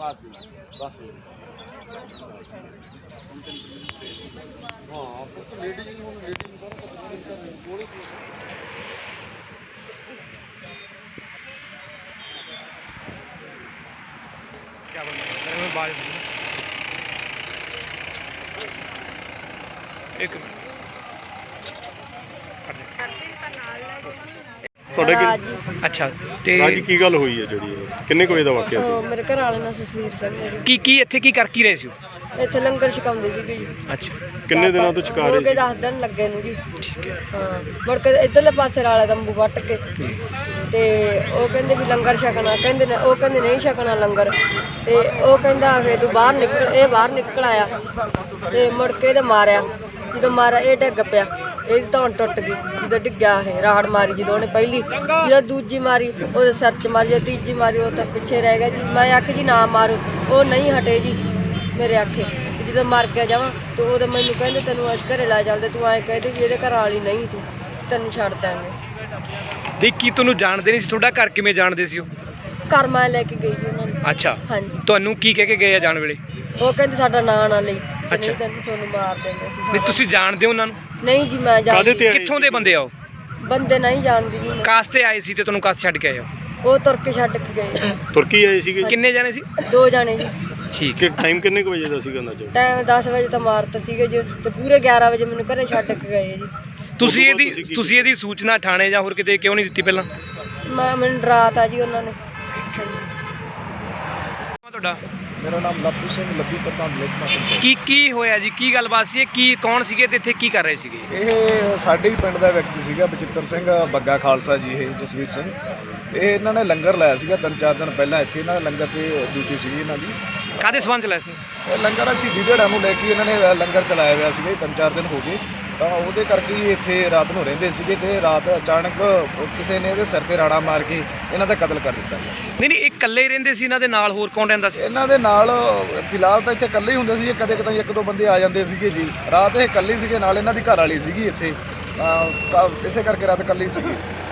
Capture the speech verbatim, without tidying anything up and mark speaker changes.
Speaker 1: क्या बोल रहे हैं बाल एक मिनट
Speaker 2: ਤੁਹਾਡੇ
Speaker 1: ਅੱਛਾ ਤੇ
Speaker 2: ਰਾਜੀ ਕੀ ਗੱਲ ਹੋਈ ਹੈ ਜਿਹੜੀ ਇਹ? ਕਿੰਨੇ ਕੁ ਵਜੇ ਦਾ ਵਾਕਿਆ ਸੀ?
Speaker 3: ਉਹ ਮੇਰੇ ਘਰ ਵਾਲੇ ਨਾਲ ਸੁਖਵੀਰ ਸਿੰਘ ਨੇ ਜੀ।
Speaker 1: ਕੀ ਕੀ ਇੱਥੇ ਕੀ ਕਰ ਕੀ ਰਹੇ ਸੀ
Speaker 3: ਇੱਥੇ ਲੰਗਰ ਛਕਾਉਂਦੇ ਸੀਗੇ ਜੀ।
Speaker 1: ਅੱਛਾ
Speaker 2: ਕਿੰਨੇ ਦਿਨਾਂ ਤੋਂ ਛਕਾ
Speaker 3: ਹੋ
Speaker 2: ਰਹੇ
Speaker 3: ਕੇ
Speaker 2: ਸੀ?
Speaker 3: ਦਸ ਦਿਨ ਲੱਗੇ ਨੂੰ ਜੀ।
Speaker 1: ਠੀਕ ਹੈ
Speaker 3: ਹਾਂ ਮੁੜ ਕੇ ਇੱਧਰਲੇ ਪਾਸੇ ਵਾਲੇ ਤੰਬੂ ਵੱਟ ਕੇ ਤੇ ਉਹ ਕਹਿੰਦੇ ਵੀ ਲੰਗਰ ਛਕਣਾ, ਕਹਿੰਦੇ ਨੇ ਉਹ ਕਹਿੰਦੇ ਨਹੀਂ ਛਕਣਾ ਲੰਗਰ, ਤੇ ਉਹ ਕਹਿੰਦਾ ਕਿ ਤੂੰ ਬਾਹਰ ਨਿਕਲ, ਇਹ ਬਾਹਰ ਨਿਕਲ ਆਇਆ ਤੇ ਮੁੜ ਕੇ ਇਹਦੇ ਮਾਰਿਆ। ਜਦੋਂ ਮਾਰਿਆ ਇਹ ਡਿੱਗ ਪਿਆ, ਇਹਦੀ ਧੌਣ ਟੁੱਟ ਗਈ। ਜਦੋਂ ਡਿੱਗਿਆ ਇਹ ਰਾੜ ਮਾਰੀ, ਜਦੋਂ ਉਹਨੇ ਪਹਿਲੀ, ਜਦੋਂ ਦੂਜੀ ਮਾਰੀ ਉਹਦੇ ਸਿਰ 'ਚ ਮਾਰੀ, ਜਦੋਂ ਤੀਜੀ ਮਾਰੀ ਉਹ ਤਾਂ ਪਿੱਛੇ ਰਹਿ ਗਿਆ ਜੀ। ਮੈਂ ਆਖੀ ਜੀ ਨਾ ਮਾਰੋ, ਉਹ ਨਹੀਂ ਹਟੇ ਜੀ ਮੇਰੇ ਆਖੇ। ਤੇ ਜਦੋਂ ਮਰ ਗਿਆ ਜਾਵਾਂ ਤੇ ਉਹਦੇ ਮੈਨੂੰ ਕਹਿੰਦੇ ਤੈਨੂੰ ਇਸ ਘਰੇ ਲੈ ਚੱਲਦੇ, ਤੂੰ ਐਂ ਕਹਿੰਦੇ ਵੀ ਇਹਦੇ ਘਰ ਵਾਲੀ ਨਹੀਂ, ਤੂੰ ਤੈਨੂੰ ਛੱਡ ਦਾਂਗੇ।
Speaker 1: ਦੇਖ ਕੀ ਤੁਹਾਨੂੰ ਜਾਣਦੇ ਨਹੀਂ ਸੀ? ਤੁਹਾਡਾ ਘਰ ਕਿਵੇਂ ਜਾਣਦੇ ਸੀ ਉਹ?
Speaker 3: ਘਰ ਮੈਂ ਲੈ ਕੇ ਗਈ ਜੀ ਉਹਨਾਂ ਨੂੰ।
Speaker 1: ਅੱਛਾ
Speaker 3: ਹਾਂਜੀ
Speaker 1: ਤੁਹਾਨੂੰ ਕੀ ਕਹਿ ਕੇ ਗਏ ਆ ਜਾਣ ਵੇਲੇ?
Speaker 3: ਉਹ ਕਹਿੰਦੇ ਸਾਡਾ ਨਾਂ ਨਾ ਲਈ, ਤੇ
Speaker 1: ਅੱਛਾ।
Speaker 3: ਨਹੀਂ ਤੈਨੂੰ ਤੁਹਾਨੂੰ ਮਾਰ ਦੇਂਗੇ ਅਸੀਂ।
Speaker 1: ਵੀ ਤੁਸੀਂ ਜਾਣਦੇ ਹੋ ਉਹਨਾਂ ਨੂੰ?
Speaker 3: ਨਹੀਂ ਜੀ ਮੈਂ
Speaker 2: ਕਾਹਦੇ
Speaker 3: ਜਾਣਦੀ,
Speaker 2: ਤੇ ਆਏ
Speaker 1: ਕਿੱਥੋਂ ਦੇ ਬੰਦੇ ਆ ਉਹ?
Speaker 3: ਬੰਦੇ ਨਹੀਂ ਜਾਣਦੀ ਜੀ ਮੈਂ।
Speaker 1: ਕਾਸ ਤੇ ਆਏ ਸੀ ਤੇ ਤੁਹਾਨੂੰ ਕਾਸ ਛੱਡ ਕੇ ਆਏ ਹੋ?
Speaker 3: ਉਹ ਤੁਰ ਕੇ ਛੱਡ ਕੇ ਗਏ।
Speaker 2: ਤੁਰਕੀ ਆਏ ਸੀਗੇ?
Speaker 1: ਕਿੰਨੇ ਜਾਣੇ ਸੀ?
Speaker 3: ਦੋ ਜਾਣੇ ਜੀ।
Speaker 1: ਠੀਕ
Speaker 2: ਕਿ ਟਾਈਮ ਕਿੰਨੇ ਕੁ ਵਜੇ ਦਾ ਸੀਗਾ ਅੰਦਾਜ਼ਾ?
Speaker 3: ਟਾਈਮ ਦਸ ਵਜੇ ਤਾਂ ਮਾਰਤ ਸੀਗੇ ਜੀ, ਤੇ ਪੂਰੇ ਗਿਆਰਾਂ ਵਜੇ ਮੈਨੂੰ ਘਰੇ ਛੱਡ ਕੇ ਗਏ ਜੀ।
Speaker 1: ਤੁਸੀਂ
Speaker 2: ਬਾਅਦ
Speaker 1: ਇਹਦੀ
Speaker 2: ਤੁਸੀਂ ਕੀ
Speaker 1: ਤੁਸੀਂ ਇਹਦੀ ਸੂਚਨਾ ਥਾਣੇ ਜਾਂ ਹੋਰ ਕਿਤੇ ਕਿਉਂ ਨਹੀਂ ਦਿੱਤੀ ਪਹਿਲਾਂ?
Speaker 3: ਮੈਂ ਮੈਨੂੰ ਡਰਾਤਾ ਜੀ ਉਹਨਾਂ ਨੇ।
Speaker 1: ਤੁਹਾਡਾ
Speaker 4: ਮੇਰਾ ਨਾਮ ਲੱਭੂ ਸਿੰਘ, ਲੱਭੀ ਪ੍ਰਧਾਨ ਲੇਖਮਾ ਪੰਚਾਇਤ।
Speaker 1: ਕੀ ਕੀ ਹੋਇਆ ਜੀ? ਕੀ ਗੱਲਬਾਤ ਸੀ? ਇਹ ਕੀ ਕੌਣ ਸੀਗੇ ਤੇ ਇੱਥੇ ਕੀ ਕਰ ਰਹੇ ਸੀਗੇ?
Speaker 4: ਇਹ ਸਾਡੇ ਹੀ ਪਿੰਡ ਦਾ ਵਿਅਕਤੀ ਸੀਗਾ, ਬਚਿੱਤਰ ਸਿੰਘ ਬੱਗਾ ਖਾਲਸਾ ਜੀ, ਇਹ ਜਸਵੀਰ ਸਿੰਘ। ਇਹ ਇਹਨਾਂ ਨੇ ਲੰਗਰ ਲਾਇਆ ਸੀਗਾ ਤਿੰਨ ਚਾਰ ਦਿਨ ਪਹਿਲਾਂ ਇੱਥੇ। ਇਹਨਾਂ ਨੇ ਲੰਗਰ ਤੇ ਡਿਊਟੀ ਸੀਗੀ ਇਹਨਾਂ ਦੀ।
Speaker 1: ਕਾਹਦੇ ਸੰਬੰਧ ਚ ਲਾਇਆ ਸੀ?
Speaker 4: ਇਹ ਲੰਗਰ ਅਸੀਂ ਦੀਦੜਾ ਨੂੰ ਲੈ ਕੇ ਇਹਨਾਂ ਨੇ ਲੰਗਰ ਚਲਾਇਆ ਹੋਇਆ ਸੀਗਾ ਤਿੰਨ ਚਾਰ ਦਿਨ ਹੋ ਗਏ, ਤਾਂ ਉਹਦੇ ਕਰਕੇ ਹੀ ਇੱਥੇ ਰਾਤ ਨੂੰ ਰਹਿੰਦੇ ਸੀਗੇ। ਤੇ ਰਾਤ ਅਚਾਨਕ ਕਿਸੇ ਨੇ ਇਹਦੇ ਸਿਰ ਤੇ ਰਾੜਾ ਮਾਰ ਕੇ ਇਹਨਾਂ ਦਾ ਕਤਲ ਕਰ ਦਿੱਤਾ ਗਿਆ।
Speaker 1: ਨਹੀਂ ਨਹੀਂ, ਇਹ ਇਕੱਲੇ ਹੀ ਰਹਿੰਦੇ ਸੀ? ਇਹਨਾਂ ਦੇ ਨਾਲ ਹੋਰ ਕੌਣ ਰਹਿੰਦਾ ਸੀ?
Speaker 4: ਇਹਨਾਂ ਦੇ ਨਾਲ ਫਿਲਹਾਲ ਤਾਂ ਇੱਥੇ ਇਕੱਲੇ ਹੀ ਹੁੰਦੇ ਸੀ, ਕਦੇ ਕਦੇ ਇੱਕ ਦੋ ਬੰਦੇ ਆ ਜਾਂਦੇ ਸੀਗੇ ਜੀ। ਰਾਤ ਇਹ ਇਕੱਲੇ ਸੀਗੇ, ਨਾਲ ਇਹਨਾਂ ਦੀ ਘਰ ਵਾਲੀ ਸੀਗੀ ਇੱਥੇ, ਤਾਂ ਇਸੇ ਕਰਕੇ ਰਾਤ ਇਕੱਲੇ ਸੀਗੀ।